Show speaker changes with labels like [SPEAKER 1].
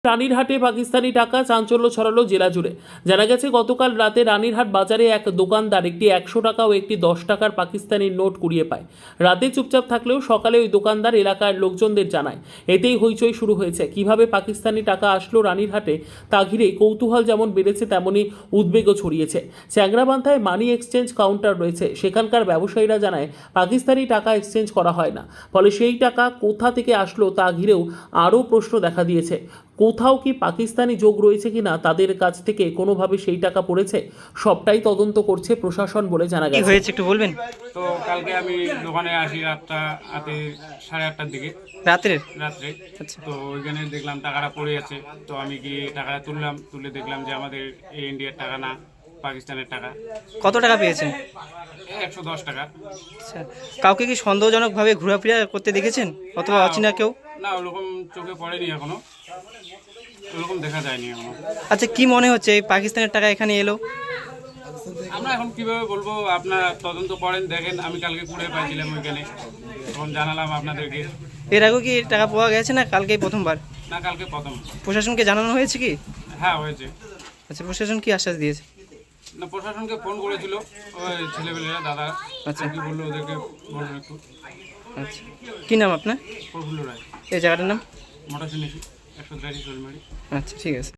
[SPEAKER 1] রানীরহাটে পাকিস্তানি টাকা চাঞ্চল্য ছড়ালো জেলা জুড়ে। জানা গেছে গতকাল রাতে রানীরহাট বাজারে এক দোকানদার একটি 100 টাকা ও একটি 10 টাকার পাকিস্তানি নোট কুড়িয়ে পায়। রাতে চুপচাপ থাকলেও সকালে ওই দোকানদার এলাকার লোকজনদের জানায়। এতেই হইচই শুরু হয়েছে। কিভাবে পাকিস্তানি টাকা আসলো রানীরহাটে তা ঘিরে কৌতূহল যেমন বেড়েছে তেমনি উদ্বেগও ছড়িয়েছে। চ্যাংরাবান্ধায় মানি এক্সচেঞ্জ কাউন্টার রয়েছে, সেখানকার ব্যবসায়ীরা জানায় পাকিস্তানি টাকা এক্সচেঞ্জ করা হয় না। ফলে সেই টাকা কোথা থেকে আসলো তা ঘিরেও আরও প্রশ্ন দেখা দিয়েছে। কোথাও কি পাকিস্তানি যোগ রয়েছে কিনা, তাদের কাছ থেকে কোনোভাবে সেই টাকা পড়েছে, সবটাই তদন্ত করছে প্রশাসন বলে জানা
[SPEAKER 2] কি
[SPEAKER 1] গেছে।
[SPEAKER 2] হয়েছে একটু বলবেন?
[SPEAKER 3] তো কালকে আমি দোকানে আসি রাতটা রাতে 8:30টার দিকে
[SPEAKER 2] রাত্রে?
[SPEAKER 3] রাত্রে।
[SPEAKER 2] আচ্ছা।
[SPEAKER 3] তো ওইখানে দেখলাম টাকাটা পড়ে আছে। তো আমি গিয়ে টাকাটা তুলে দেখলাম যে আমাদের এই ইন্ডিয়ার টাকা না, পাকিস্তানের টাকা।
[SPEAKER 2] কত টাকা পেয়েছেন?
[SPEAKER 3] 110 টাকা।
[SPEAKER 2] আচ্ছা, কাউকে কি সন্দেহজনকভাবে ঘোরাফেরা করতে দেখেছেন অথবা অচেনা কেউ?
[SPEAKER 3] না, ওরকম চোখে পড়েনি এখনো, ওরকম দেখা যায়নি এখনো।
[SPEAKER 2] আচ্ছা, কি মনে হচ্ছে এই পাকিস্তানের টাকা এখানে এলো?
[SPEAKER 3] আমরা এখন কিভাবে বলবো, আপনারা তদন্ত করেন, দেখেন। আমি কালকে কুড়ে পাইছিলাম ওইখানে, তখন জানালাম আপনাদেরকে।
[SPEAKER 2] এর আগেও কি টাকা পাওয়া গেছে না কালকেই প্রথমবার?
[SPEAKER 3] না, কালকে প্রথম।
[SPEAKER 2] প্রশাসনকে জানানো হয়েছে কি?
[SPEAKER 3] হ্যাঁ, হয়েছে।
[SPEAKER 2] আচ্ছা, প্রশাসন কি আশ্বাস দিয়েছে?
[SPEAKER 3] না, প্রশাসনকে ফোন করেছিল ওই ছেলেপেলেরা, দাদা।
[SPEAKER 2] আচ্ছা।
[SPEAKER 3] কি বললো ওদেরকে বলবো একটু।
[SPEAKER 2] আচ্ছা, কি নাম আপনার?
[SPEAKER 3] প্রফুল্ল রায়,
[SPEAKER 2] এই জায়গাটার নাম?
[SPEAKER 3] মোটরসাইকেল 183 শোলমারি।
[SPEAKER 2] আচ্ছা, ঠিক আছে।